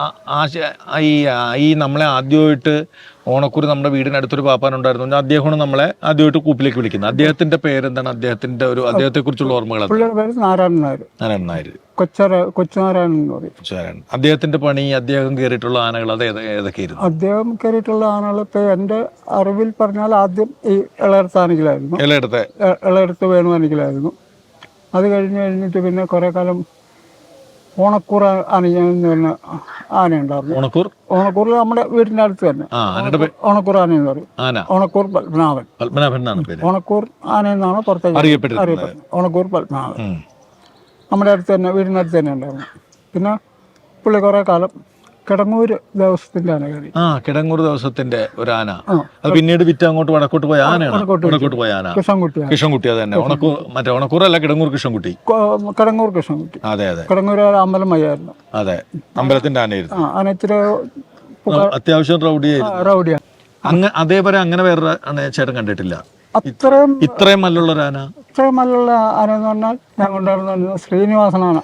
ഈ നമ്മളെ ആദ്യമായിട്ട് ഓണക്കൂർ നമ്മുടെ വീടിനടുത്തൊരു പാപ്പാനുണ്ടായിരുന്നു. അദ്ദേഹമാണ് നമ്മളെ ആദ്യമായിട്ട് കൂപ്പിലേക്ക് വിളിക്കുന്നത്. അദ്ദേഹത്തിന്റെ പേരെന്താണ്? അദ്ദേഹത്തെ കുറിച്ചുള്ള ഓർമ്മകൾ?
പുള്ളിയുടെ പേര് നാരായണൻ നായർ. കൊച്ചുനാരായണൻ എന്ന് പറയും.
അദ്ദേഹത്തിന്റെ പണി, അദ്ദേഹം കയറിയിട്ടുള്ള ആനകൾ അത് ഏതൊക്കെയായിരുന്നു?
അദ്ദേഹം കയറിയിട്ടുള്ള ആനകൾ ഇപ്പൊ എന്റെ അറിവിൽ പറഞ്ഞാൽ ആദ്യം ഈ ഇളയടത്ത് ആനയ്ക്കലായിരുന്നു. ഇളയടത്ത് വേണുവാനയ്ക്കലായിരുന്നു. അത് കഴിഞ്ഞിട്ട് പിന്നെ കുറെ കാലം ഓണക്കൂർ ആനയെന്ന് പറഞ്ഞ ആനയുണ്ടായിരുന്നു. ഓണക്കൂർ നമ്മുടെ വീടിന്റെ അടുത്ത് തന്നെ ഓണക്കൂർ ആന എന്ന് പറയും. ഓണക്കൂർ പത്മനാഭൻ. ഓണക്കൂർ ആന എന്നാണ് പുറത്തേക്ക് അറിയപ്പെടുന്നത്. ഓണക്കൂർ പത്മനാഭൻ നമ്മുടെ അടുത്ത് തന്നെ, വീടിന്റെ അടുത്ത് തന്നെ ഉണ്ടായിരുന്നു. പിന്നെ പുള്ളി കുറെ കാലം കിടങ്ങൂർ ദേവസ്വത്തിന്റെ ആന കയറി.
കിടങ്ങൂർ ദേവസ്വത്തിന്റെ ഒരു ആന. അത് പിന്നീട് വിറ്റ് അങ്ങോട്ട് വടക്കോട്ട് പോയ ആനയാണ്. കൃഷ്ണൻകുട്ടി. അത് തന്നെ. ഓണക്കൂറല്ല, കിടങ്ങൂർ കൃഷ്ണൻകുട്ടി. അതെ.
കിടങ്ങൂർ അമ്പലം വയ്യായിരുന്നു.
അതെ, അമ്പലത്തിന്റെ ആനയായിരുന്നു.
ആന ഇച്ചിരി
അത്യാവശ്യം റൗഡിയാണ്. അതേപോലെ അങ്ങനെ വേറെ ചേട്ടൻ കണ്ടിട്ടില്ല ഇത്രയും മല്ലുള്ള ആന.
ഇത്രയും മല്ലുള്ള ആന എന്ന് പറഞ്ഞാൽ ഞാൻ കൊണ്ടുവരുന്ന ശ്രീനിവാസനാണ്.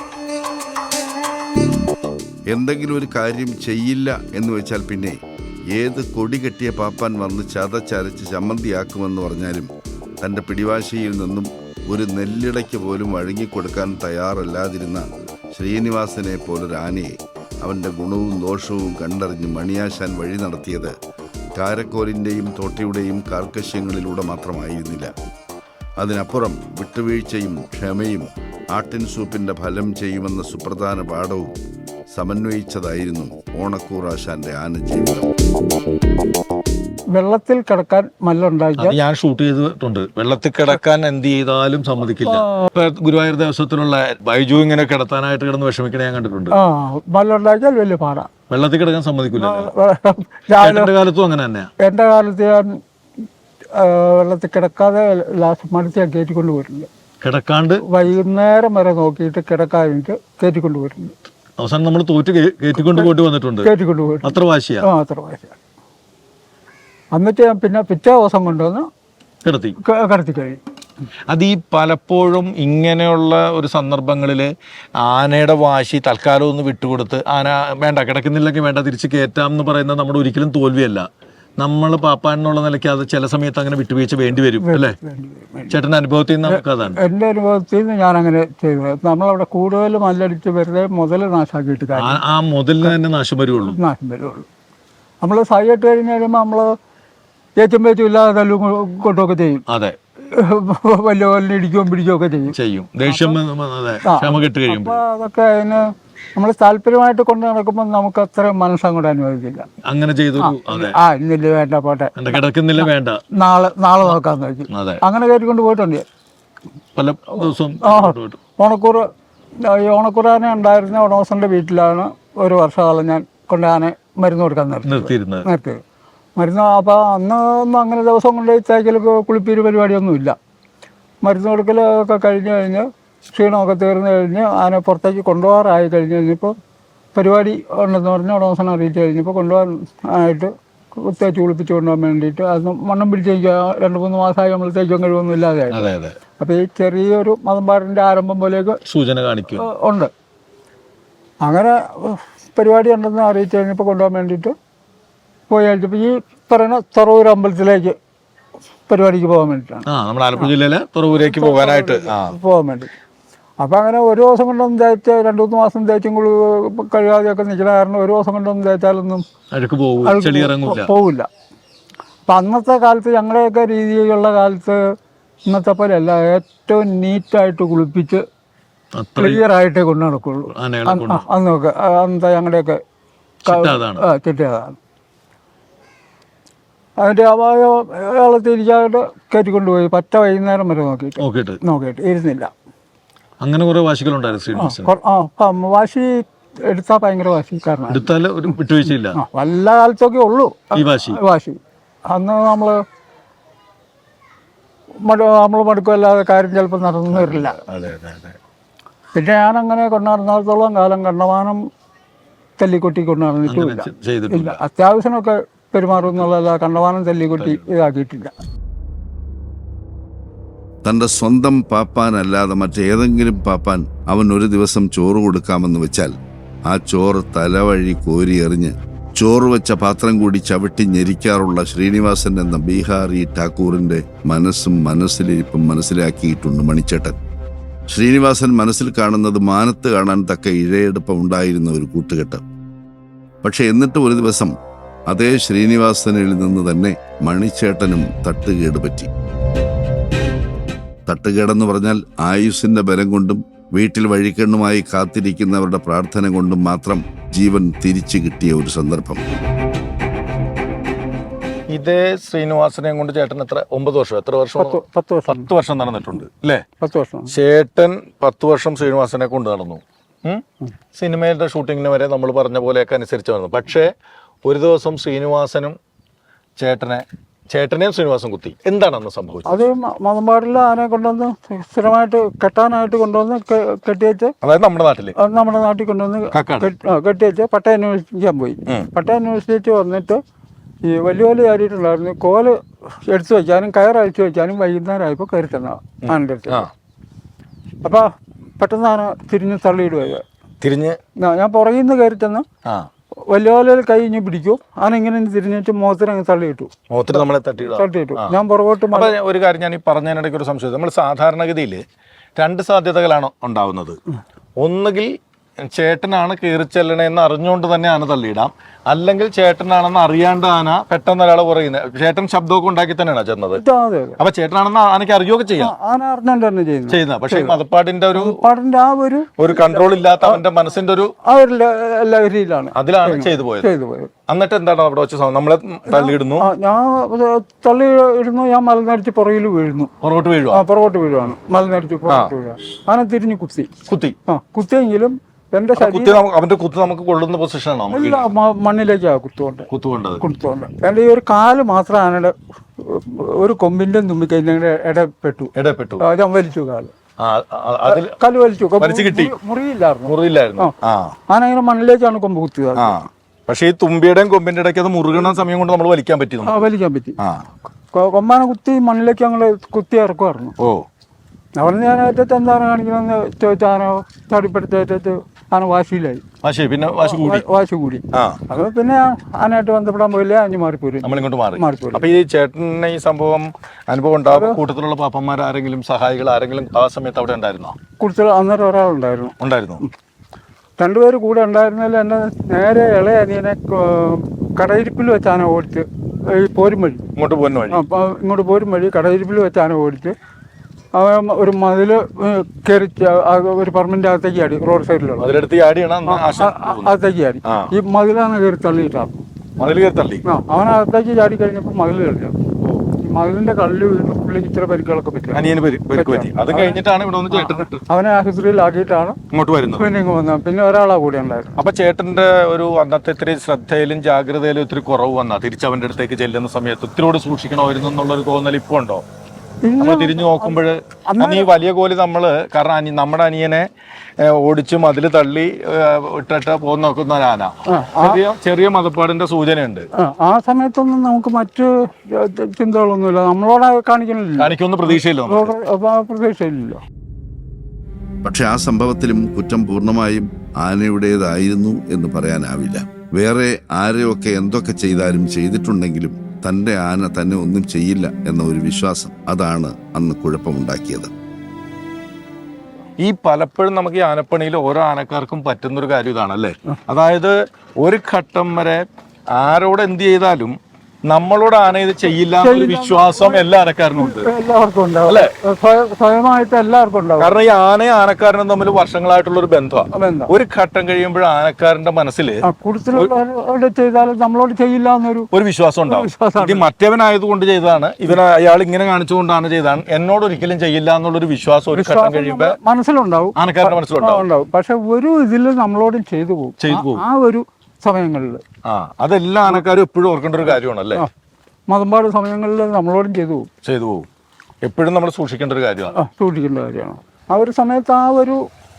എന്തെങ്കിലും ഒരു കാര്യം ചെയ്യില്ല എന്ന് വെച്ചാൽ പിന്നെ ഏത് കൊടി കെട്ടിയ പാപ്പാൻ വന്ന് ചതച്ചരച്ച് ചമ്മന്തിയാക്കുമെന്ന് പറഞ്ഞാലും തൻ്റെ പിടിവാശിയിൽ നിന്നും ഒരു നെല്ലിടയ്ക്ക് പോലും വഴങ്ങിക്കൊടുക്കാൻ തയ്യാറല്ലാതിരുന്ന ശ്രീനിവാസനെ പോലൊരു ആനയെ അവൻ്റെ ഗുണവും ദോഷവും കണ്ടറിഞ്ഞ് മണിയാശാൻ വഴി നടത്തിയത് കാരക്കോലിൻ്റെയും തോട്ടയുടെയും കാർക്കശ്യങ്ങളിലൂടെ മാത്രമായിരുന്നില്ല. അതിനപ്പുറം വിട്ടുവീഴ്ചയും ക്ഷമയും ആട്ടിൻ സൂപ്പിൻ്റെ ഫലം ചെയ്യുമെന്ന സുപ്രധാന പാഠവും സമന്വയിച്ചതായിരുന്നു ഓണക്കൂർ ആശാന്റെ ആനജീവിതം.
വെള്ളത്തിൽ കിടക്കാൻ മല്ലുണ്ടാക്കിയാൽ
ഞാൻ ഷൂട്ട് ചെയ്തിട്ടുണ്ട്. വെള്ളത്തിൽ കിടക്കാൻ എന്ത് ചെയ്താലും സമ്മതിക്കില്ല. ഗുരുവായൂർ ദേവസ്വത്തിലുള്ള ബൈജു ഇങ്ങനെ കിടത്താനായിട്ട് കിടന്ന് വിഷമിക്കണ ഞാൻ കണ്ടിട്ടുണ്ട്.
മല്ലുണ്ടാക്കിയാൽ വലിയ പാടാ.
വെള്ളത്തിൽ കിടക്കാൻ സമ്മതിക്കില്ല. കാലത്തും അങ്ങനെ തന്നെയാ.
എന്റെ കാലത്ത് ഞാൻ വെള്ളത്തിൽ കിടക്കാതെ മടുത്ത് ഞാൻ കയറ്റിക്കൊണ്ട് പോയിട്ടുണ്ട്.
കിടക്കാണ്ട്
വൈകുന്നേരം വരെ നോക്കിയിട്ട് കിടക്കാതിട്ട് കയറ്റിക്കൊണ്ട് പോയിട്ടുണ്ട്.
അവസാനം നമ്മൾ തോറ്റ് കയറ്റിക്കൊണ്ട് പോയിട്ട് വന്നിട്ടുണ്ട്. അത്ര വാശിയാ.
അത്ര വാശിയാ. എന്നിട്ട് ഞാൻ പിന്നെ പിറ്റേ ദിവസം കൊണ്ടുവന്ന് കിടത്തി കഴിയും.
അത് ഈ പലപ്പോഴും ഇങ്ങനെയുള്ള ഒരു സന്ദർഭങ്ങളിൽ ആനയുടെ വാശി തൽക്കാലം ഒന്ന് വിട്ടുകൊടുത്ത് ആന വേണ്ട കിടക്കുന്നില്ലെങ്കിൽ വേണ്ട തിരിച്ച് കയറ്റാം എന്ന് പറയുന്നത് നമ്മുടെ ഒരിക്കലും തോൽവിയല്ല. നമ്മൾ പാപ്പാൻ എന്നുള്ള നിലയ്ക്ക് അത് ചില സമയത്ത് അങ്ങനെ വിട്ടുവീഴ്ച വേണ്ടി വരും അല്ലേ? ചേട്ടൻ്റെ അനുഭവത്തിൽ നിന്ന് നമുക്ക് അതാണ്.
എൻ്റെ അനുഭവത്തിൽ നിന്ന് ഞാൻ അങ്ങനെ ചെയ്തത്. നമ്മളവിടെ കൂടുതൽ മല്ലടിച്ച് വെറുതെ മുതൽ നാശാക്കിയിട്ട്
ആ മുതലിന് തന്നെ നാശം വരുള്ളൂ.
നമ്മൾ സൈഡ് കഴിഞ്ഞ് കഴിയുമ്പോൾ നമ്മൾ ഏറ്റും പേറ്റും ഇല്ലാതെ തല്ലും കൊണ്ടൊക്കെ ചെയ്യും.
അതെ,
വലിയ വലിയ ഇടിക്കുകയും പിടിക്കുകയൊക്കെ ചെയ്യും.
ദേഷ്യം കഴിയുമ്പോൾ
അതൊക്കെ അതിന് നമ്മൾ താല്പര്യമായിട്ട് കൊണ്ട് നടക്കുമ്പോൾ നമുക്ക് അത്ര മനസ്സങ്ങോട്ട് അനുവദിക്കില്ല.
അങ്ങനെ ചെയ്തു.
ഇന്നില്ല, വേണ്ട, പോട്ടെ,
കിടക്കുന്നില്ല, വേണ്ട,
നാളെ നോക്കാന്ന് വെച്ചു. അങ്ങനെ കയറ്റിക്കൊണ്ട് പോയിട്ടുണ്ട്
പല ദിവസവും.
ഓണക്കൂറാനെ ഉണ്ടായിരുന്ന ഉടമസ്ഥന്റെ വീട്ടിലാണ് ഒരു വർഷകാലം ഞാൻ കൊണ്ട് ആനെ മരുന്ന് കൊടുക്കാൻ നിർത്തിയത്. മരുന്ന് അപ്പോൾ അന്നൊന്നും അങ്ങനെ ദിവസം കൊണ്ട് തേക്കൽ കുളിപ്പീര് പരിപാടിയൊന്നും ഇല്ല. മരുന്ന് കൊടുക്കലൊക്കെ കഴിഞ്ഞ് ക്ഷീണമൊക്കെ തീർന്നു കഴിഞ്ഞ് ആന പുറത്തേക്ക് കൊണ്ടുപോകാറായി കഴിഞ്ഞപ്പോൾ പരിപാടി ഉണ്ടെന്ന് പറഞ്ഞ് ഉടമസ്ഥനെ അറിയിച്ച് കഴിഞ്ഞപ്പോൾ കൊണ്ടുപോകാൻ ആയിട്ട് തേച്ച് കുളിപ്പിച്ച് കൊണ്ടുപോകാൻ വേണ്ടിയിട്ട് അത് മണ്ണം പിടിച്ച് 2-3 മാസമായി നമ്മൾ തേച്ചും കഴിവൊന്നും ഇല്ലാതെ. അപ്പോൾ ഈ ചെറിയൊരു മതംപാടിൻ്റെ ആരംഭം പോലെയൊക്കെ
സൂചന കാണിക്കും
ഉണ്ട്. അങ്ങനെ പരിപാടി ഉണ്ടെന്ന് അറിയിച്ച് കഴിഞ്ഞപ്പോൾ കൊണ്ടുപോകാൻ വേണ്ടിയിട്ട് പോയി കഴിഞ്ഞപ്പോൾ ഈ പറയുന്ന തുറവൂർ അമ്പലത്തിലേക്ക് പരിപാടിക്ക് പോകാൻ വേണ്ടിയിട്ടാണ്.
നമ്മുടെ ആലപ്പുഴ ജില്ലയിലെ തുറവൂരേക്ക് പോകാൻ
വേണ്ടി. അപ്പം അങ്ങനെ ഒരു ദിവസം കൊണ്ടൊന്നും തേച്ച് 2-3 മാസം തേച്ചും കഴിയാതെയൊക്കെ നിൽക്കുന്ന കാരണം ഒരു ദിവസം കൊണ്ടൊന്നും തേച്ചാലൊന്നും പോവില്ല. അപ്പം അന്നത്തെ കാലത്ത് ഞങ്ങളുടെയൊക്കെ രീതിയിലുള്ള കാലത്ത് ഇന്നത്തെ പോലെ അല്ല, ഏറ്റവും നീറ്റായിട്ട് കുളിപ്പിച്ച് ക്ലിയറായിട്ടേ കൊണ്ടു നടക്കുള്ളൂ. അന്നൊക്കെ അന്നത്തെ ഞങ്ങളുടെയൊക്കെ ചിട്ടയതാണ്. അതിൻ്റെ അയാളെ തിരിച്ചായിട്ട് കയറ്റിക്കൊണ്ടുപോയി പറ്റ വൈകുന്നേരം വരെ നോക്കിയിട്ട് ഇരുന്നില്ല.
അങ്ങനെ കുറെ വാശികളുണ്ടായിരുന്നു ശ്രീനിവാസൻ.
വാശി എടുത്താൽ ഭയങ്കര വാശിക്കാരനാണ്.
എടുത്താൽ ഒരു വിട്ടുവീഴ്ചയില്ല.
വല്ല കാലത്തൊക്കെ ഉള്ളൂ
ഈ വാശി.
അന്ന് നമ്മൾ മടുക്കല്ലാതെ കാര്യം ചിലപ്പോൾ നടന്നു വരില്ല. പിന്നെ ഞാനങ്ങനെ കൊണ്ടുനടന്നിടത്തോളം കാലം കണ്ടമാനം തല്ലിക്കൊട്ടി കൊണ്ടുനടന്നിട്ടില്ല. അത്യാവശ്യമൊക്കെ പെരുമാറും എന്നുള്ളതല്ല, കണ്ടമാനം തല്ലിക്കൊട്ടി ഇതാക്കിയിട്ടില്ല.
തൻ്റെ സ്വന്തം പാപ്പാനല്ലാതെ മറ്റേതെങ്കിലും പാപ്പാൻ അവൻ ഒരു ദിവസം ചോറ് കൊടുക്കാമെന്ന് വെച്ചാൽ ആ ചോറ് തലവഴി കോരി എറിഞ്ഞ് ചോറ് വെച്ച പാത്രം കൂടി ചവിട്ടി ഞെരിക്കാറുള്ള ശ്രീനിവാസൻ എന്ന ബീഹാറി ഠാക്കൂറിൻ്റെ മനസ്സും മനസ്സിലിരിപ്പും മനസ്സിലാക്കിയിട്ടുണ്ട് മണിച്ചേട്ടൻ. ശ്രീനിവാസൻ മനസ്സിൽ കാണുന്നത് മാനത്ത് കാണാൻ തക്ക ഇഴയെടുപ്പം ഉണ്ടായിരുന്ന ഒരു കൂട്ടുകെട്ട്. പക്ഷെ എന്നിട്ടും ഒരു ദിവസം അതേ ശ്രീനിവാസനിൽ നിന്ന് തന്നെ മണിച്ചേട്ടനും തട്ടുകേട് പറ്റി. തട്ടുകേടെന്ന് പറഞ്ഞാൽ ആയുസ്സിന്റെ ബലം കൊണ്ടും വീട്ടിൽ വഴിക്കണ്ണുമായി കാത്തിരിക്കുന്നവരുടെ പ്രാർത്ഥന കൊണ്ടും മാത്രം ജീവൻ തിരിച്ചു കിട്ടിയ ഒരു സന്ദർഭം.
ഇതേ ശ്രീനിവാസനെയും കൊണ്ട് ചേട്ടൻ എത്ര 9 വർഷം എത്ര വർഷം 10 വർഷം നടന്നിട്ടുണ്ട് അല്ലേ?
10 വർഷം.
ചേട്ടൻ 10 വർഷം ശ്രീനിവാസനെ കൊണ്ട് നടന്നു. സിനിമയുടെ ഷൂട്ടിങ്ങിന് വരെ നമ്മൾ പറഞ്ഞ പോലെയൊക്കെ അനുസരിച്ച് വന്നു. പക്ഷേ ഒരു ദിവസം ശ്രീനിവാസനും ചേട്ടനെയും ശ്രീനിവാസൻ കുത്തി. എന്താണ് അന്ന് സംഭവിച്ചത്?
അത് മതമ്പാടിൽ ആനെ കൊണ്ടുവന്ന് സ്ഥിരമായിട്ട് കെട്ടാനായിട്ട് കൊണ്ടുവന്ന് കെട്ടിവെച്ച്,
അതായത് നമ്മുടെ
നാട്ടിൽ കൊണ്ടുവന്ന് കെട്ടിവെച്ച് പട്ടയ യൂണിവേഴ്സിറ്റിക്കാൻ പോയി. പട്ടയ യൂണിവേഴ്സിറ്റി വന്നിട്ട് ഈ വലിയ ചാടിയിട്ടുണ്ടായിരുന്നു. കോല് എടുത്തു വെച്ചാലും കയറഴിച്ചു വെച്ചാലും വൈകുന്നേരം ആയപ്പോൾ കയറി തന്ന ആനൻ്റെ അടുത്ത്. അപ്പം പെട്ടെന്ന് ആന തിരിഞ്ഞ് തള്ളിയിടുക. ഞാൻ പുറകിൽ നിന്ന് കയറി തന്ന വലിയ കൈ ഇഞ്ഞ് പിടിക്കും. ആന ഇങ്ങനെ തിരിഞ്ഞിട്ട് മുഖത്തിനങ്ങ് തള്ളിയിട്ടു. ഞാൻ പുറകോട്ട്.
ഒരു കാര്യം ഞാൻ ഈ പറഞ്ഞതിനിടയ്ക്ക് ഒരു സംശയം. നമ്മൾ സാധാരണഗതിയിൽ 2 സാധ്യതകളാണ് ഉണ്ടാവുന്നത്. ഒന്നുകിൽ ചേട്ടനാണ് കയറി ചെല്ലണേന്ന് അറിഞ്ഞുകൊണ്ട് തന്നെ ആന തള്ളിയിടാം, അല്ലെങ്കിൽ ചേട്ടനാണെന്ന് അറിയാണ്ട് ആന പെട്ടെന്ന് ഒരാളെ പറയുന്നത്. ചേട്ടൻ ശബ്ദമൊക്കെ ഉണ്ടാക്കി തന്നെയാണ് ചെന്നത്. അപ്പൊ ചേട്ടനാണെന്ന് ആനയ്ക്ക് അറിയുകയൊക്കെ ചെയ്യാം.
ആന അറിഞ്ഞുകൊണ്ട് തന്നെ ചെയ്യുന്നത്.
പക്ഷേ മതപ്പാടിന്റെ ഒരു കൺട്രോൾ ഇല്ലാത്ത അവന്റെ മനസ്സിന്റെ ഒരു
ലഹരിയിലാണ്
അതിലാണ് ചെയ്തു പോയത്. എന്നിട്ട് എന്താണ് അവിടെ വെച്ച് നമ്മളെ തള്ളിയിടുന്നു.
ഞാൻ തള്ളിയിടുന്നു. ഞാൻ മലനടിച്ച് പുറകിൽ വീഴുന്നു. പുറകോട്ട് വീഴുവാണ്. മലനടിച്ച് പുറകോട്ട് വീഴുക. ആന തിരിഞ്ഞ് കുത്തിയെങ്കിലും എന്റെ
അവന്റെ കുത്ത് നമുക്ക് കൊള്ളുന്ന പൊസിഷനാണോ?
മണ്ണിലേക്കാണ് കുത്തുകൊണ്ട്. എന്റെ ഈ ഒരു കാല് മാത്രം ആനയുടെ ഒരു കൊമ്പിന്റെ തുമ്പിക്കൈന്റെ ഇടപെട്ടു. ഞാൻ വലിച്ചു കാല് വലിച്ചു. മുറിയില്ലായിരുന്നു. ആന ഇങ്ങനെ മണ്ണിലേക്കാണ് കൊമ്പ് കുത്തിയത്.
പക്ഷെ ഈ തുമ്പിയുടെയും കൊമ്പിന്റെ ഇടയ്ക്ക് അത് മുറുകണ സമയം കൊണ്ട് നമ്മൾ വലിക്കാൻ പറ്റി.
കൊമ്പാന കുത്തി മണ്ണിലേക്ക് ഞങ്ങൾ കുത്തി ഇറക്കുമായിരുന്നു. അവിടെ ഞാൻ ഏറ്റവും എന്താണ് കാണിക്കണമെന്ന് ചോദിച്ചാൽ ആന ചാടിപ്പെടുത്തേറ്റത്ത് ആന വാശിയിലായി. വാശി കൂടി. അത് പിന്നെ ആനയായിട്ട് ബന്ധപ്പെടാൻ പോയില്ല. അഞ്ഞു മാറിപ്പോരും.
അപ്പൊ ഈ ചേട്ടന് ഈ സംഭവം അനുഭവം ഉണ്ടാവും. കൂട്ടത്തിലുള്ള പാപ്പന്മാർ ആരെങ്കിലും സഹായികൾ ആരെങ്കിലും ആ സമയത്ത് അവിടെ ഉണ്ടായിരുന്നോ?
കൂട്ടത്തിൽ അന്നേരം ഒരാളുണ്ടായിരുന്നു. 2 പേര് കൂടെ ഉണ്ടായിരുന്നതിൽ എന്നെ നേരെ ഇളയ അനിയനെ കടയിരിപ്പിൽ വെച്ച് ആന ഓടിച്ച് ഈ പോരും വഴി ഇങ്ങോട്ട് പോരും വഴി കടയിരിപ്പിൽ വെച്ച് ആന ഓടിച്ച് ഒരു മതില് കയറി ഒരു പെർമനന്റ് അകത്തേക്ക് ചാടി. റോഡ് സൈഡിലുള്ള അകത്തേക്ക് ചാടി. ഈ മതിലാണ് കയറി തള്ളിയിട്ടാണ്. അവനകത്തേക്ക് ചാടി കഴിഞ്ഞപ്പോൾ മതിൽ കളിഞ്ഞു. മതിലിന്റെ കല്ല് വീണ് പുള്ളിക്ക് ഇച്ചിരി പരിക്കുകളൊക്കെ പറ്റി. അവനെ ആശുപത്രിയിലാക്കിയിട്ടാണ് പിന്നെ ഇങ്ങ് വന്നത്. പിന്നെ ഒരാളാ കൂടെ ഉണ്ടായിരുന്നു.
അപ്പൊ ചേട്ടന്റെ ഒരു അന്നത്തെ ഇത്തിരി ശ്രദ്ധയിലും ജാഗ്രതയിലും ഒത്തിരി കുറവ് വന്നാ തിരിച്ചവന്റെ അടുത്തേക്ക് ചെല്ലുന്ന സമയത്ത് ഒത്തിരിയോട് സൂക്ഷിക്കണമായിരുന്നു എന്നുള്ളൊരു തോന്നൽ ഇപ്പൊ ഉണ്ടോ? നമ്മൾ തിരിഞ്ഞു നോക്കുമ്പോൾ ഈ വലിയ കോലി കാരണം നമ്മുടെ അനിയനെ ഓടിച്ച് മതില് തള്ളി ഇട്ടിട്ട് പോന്ന് നോക്കുന്ന ഒരു ആന ചെറിയ മതപ്പാടിന്റെ സൂചനയുണ്ട്.
ആ സമയത്തൊന്നും നമുക്ക് മറ്റു ചിന്തകളൊന്നുമില്ല. നമ്മളോട് കാണിക്കുമെന്ന് പ്രതീക്ഷയില്ലല്ലോ.
പക്ഷെ ആ സംഭവത്തിലും കുറ്റം പൂർണ്ണമായും ആനയുടേതായിരുന്നു എന്ന് പറയാനാവില്ല. വേറെ ആരെയൊക്കെ എന്തൊക്കെ ചെയ്താലും ചെയ്തിട്ടുണ്ടെങ്കിലും തൻ്റെ ആന തന്നെ ഒന്നും ചെയ്യില്ല എന്ന ഒരു വിശ്വാസം, അതാണ് അന്ന് കുഴപ്പമുണ്ടാക്കിയത്.
ഈ പലപ്പോഴും നമുക്ക് ഈ ആനപ്പണിയിൽ ഓരോ ആനക്കാർക്കും പറ്റുന്നൊരു കാര്യം ഇതാണല്ലേ. അതായത് ഒരു ഘട്ടം വരെ ആരോട് എന്ത് ചെയ്താലും നമ്മളോട് ആന ഇത് ചെയ്യില്ല എന്നൊരു വിശ്വാസം എല്ലാ ആനക്കാരനും ഉണ്ട്.
എല്ലാവർക്കും ഉണ്ടാവും,
അല്ലേ?
സ്വയമായിട്ട് എല്ലാവർക്കും ഉണ്ടാവും.
കാരണം ഈ ആനയും ആനക്കാരനും തമ്മിൽ വർഷങ്ങളായിട്ടുള്ള ഒരു ബന്ധമാണ്.
എന്താ
ഒരു ഘട്ടം കഴിയുമ്പോൾ ആനക്കാരന്റെ മനസ്സിൽ
കൂടുതൽ ചെയ്താലും നമ്മളോട് ചെയ്യില്ല എന്നൊരു
വിശ്വാസം ഉണ്ടാവും. ഇത് മറ്റവനായതുകൊണ്ട് ചെയ്തതാണ്, അയാൾ ഇങ്ങനെ കാണിച്ചുകൊണ്ടാണ് ചെയ്തതാണ്, എന്നോട് ഒരിക്കലും ചെയ്യില്ല എന്നുള്ളൊരു വിശ്വാസം ഒരു ഘട്ടം കഴിയുമ്പോൾ
മനസ്സിലുണ്ടാവും,
ആനക്കാരന്റെ മനസ്സിലുണ്ടാവും.
പക്ഷെ ഒരു ഇതിൽ നമ്മളോടും ചെയ്തു പോകും ആ ഒരു സമയങ്ങളിൽ.
അതെല്ലാം ആനക്കാരും എപ്പോഴും ഓർക്കേണ്ട ഒരു കാര്യമാണ് അല്ലേ?
മതമ്പാട് സമയങ്ങളിൽ നമ്മളോടും ചെയ്തു
പോകും. എപ്പോഴും നമ്മൾ സൂക്ഷിക്കേണ്ട ഒരു കാര്യമാണ്.
സൂക്ഷിക്കേണ്ട കാര്യമാണ്. ആ ഒരു സമയത്ത് ആ ഒരു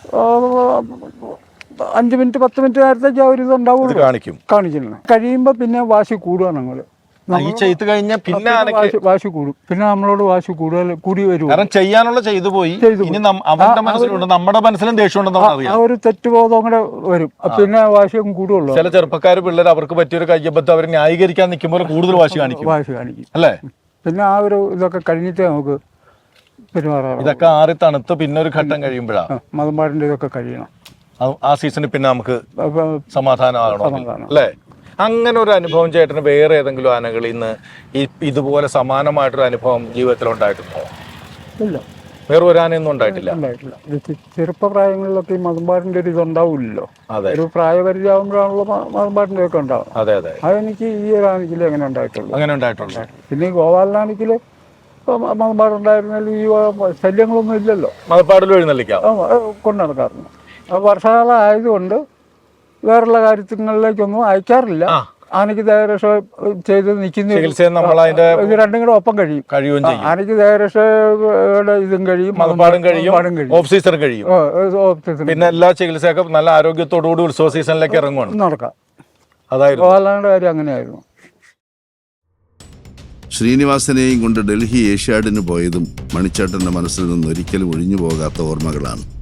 5 മിനിറ്റ് 10 മിനിറ്റ് നേരത്തേക്ക് ആ ഒരു ഇത് ഉണ്ടാവും, കാണിക്കുന്നത്. കഴിയുമ്പോൾ പിന്നെ വാശി കൂടുക. ഞങ്ങൾ
ഈ ചെയ്ത് കഴിഞ്ഞാൽ പിന്നെ
വാശി കൂടും, പിന്നെ നമ്മളോട് വാശി കൂടി വരും.
കാരണം ചെയ്യാനുള്ള ചെയ്തു പോയി. ഇനി അവന്റെ മനസ്സിലുണ്ട്, നമ്മുടെ മനസ്സിലും ദേഷ്യമുണ്ടെന്ന് അറിയാം.
ആ ഒരു തെറ്റുബോധം കൂടെ വരും, പിന്നെ വാശിയും കൂടുള്ളൂ.
ചില ചെറുപ്പക്കാർ പിള്ളേർ അവർക്ക് പറ്റിയൊരു കയ്യബദ്ധം അവർ ന്യായീകരിക്കാൻ നിൽക്കുമ്പോൾ കൂടുതൽ വാശി കാണിക്കും അല്ലേ?
പിന്നെ ആ ഒരു ഇതൊക്കെ കഴിഞ്ഞിട്ട് നമുക്ക് പെരുമാറാം.
ഇതൊക്കെ ആറി തണുത്ത് പിന്നെ ഒരു ഘട്ടം കഴിയുമ്പോഴാണ്
മതമ്പാടിന്റെ ഇതൊക്കെ കഴിയണം.
ആ സീസണിൽ പിന്നെ നമുക്ക് സമാധാനമാകണം അല്ലേ? അങ്ങനെ ഒരു അനുഭവം ചേട്ടന് വേറെ ഏതെങ്കിലും ആനകളിൽ നിന്ന് ഇതുപോലെ സമാനമായിട്ടൊരു അനുഭവം ജീവിതത്തിൽ ഉണ്ടായിട്ടുണ്ടോ?
ഇല്ല,
വേറെ ഒരു ആനയൊന്നും ഉണ്ടായിട്ടില്ല.
ചെറുപ്പപ്രായങ്ങളിലൊക്കെ ഈ മതമ്പാടിന്റെ ഒരു ഇതുണ്ടാവില്ലല്ലോ. ഒരു പ്രായപരിചയമാകുമ്പോഴാണല്ലോ മതമ്പാടിന്റെ ഒക്കെ ഉണ്ടാവും. അതെനിക്ക് ഈ ഒരു ആനക്കിൽ അങ്ങനെ ഉണ്ടായിട്ടുള്ളൂ. പിന്നെ ഈ ഗോപാലനാനക്കില് മതമ്പാടുണ്ടായിരുന്നാലും ഈ ശല്യങ്ങളൊന്നും ഇല്ലല്ലോ.
മതപ്പാടിൽ എഴുന്നള്ളിക്കാം
കൊണ്ടു നടക്കാറുണ്ട്. വർഷകാലം ആയതുകൊണ്ട് വേറുള്ള കാര്യങ്ങളിലേക്കൊന്നും അയക്കാറില്ല. ആനയ്ക്ക് ദേഹരക്ഷ ചെയ്ത് നിൽക്കുന്ന ഇത് രണ്ടും കൂടെ ഒപ്പം കഴിയും. ആനയ്ക്ക് ദേഹരക്ഷയുടെ ഇതും കഴിയും,
മതപ്പാടും കഴിയും, ഓഫ് സീസൺ കഴിയും. പിന്നെ എല്ലാ ചികിത്സയൊക്കെ നല്ല ആരോഗ്യത്തോടുകൂടി ഉത്സവ സീസണിലേക്ക് ഇറങ്ങുവാണ്
നടക്കാം.
അതായിരുന്നു
ഗോപാലന്റെ കാര്യം അങ്ങനെയായിരുന്നു.
ശ്രീനിവാസനെയും കൊണ്ട് ഡൽഹി ഏഷ്യാഡിന് പോയതും മണിച്ചേട്ടൻ്റെ മനസ്സിൽ നിന്ന് ഒരിക്കലും ഒഴിഞ്ഞു പോകാത്ത ഓർമ്മകളാണ്.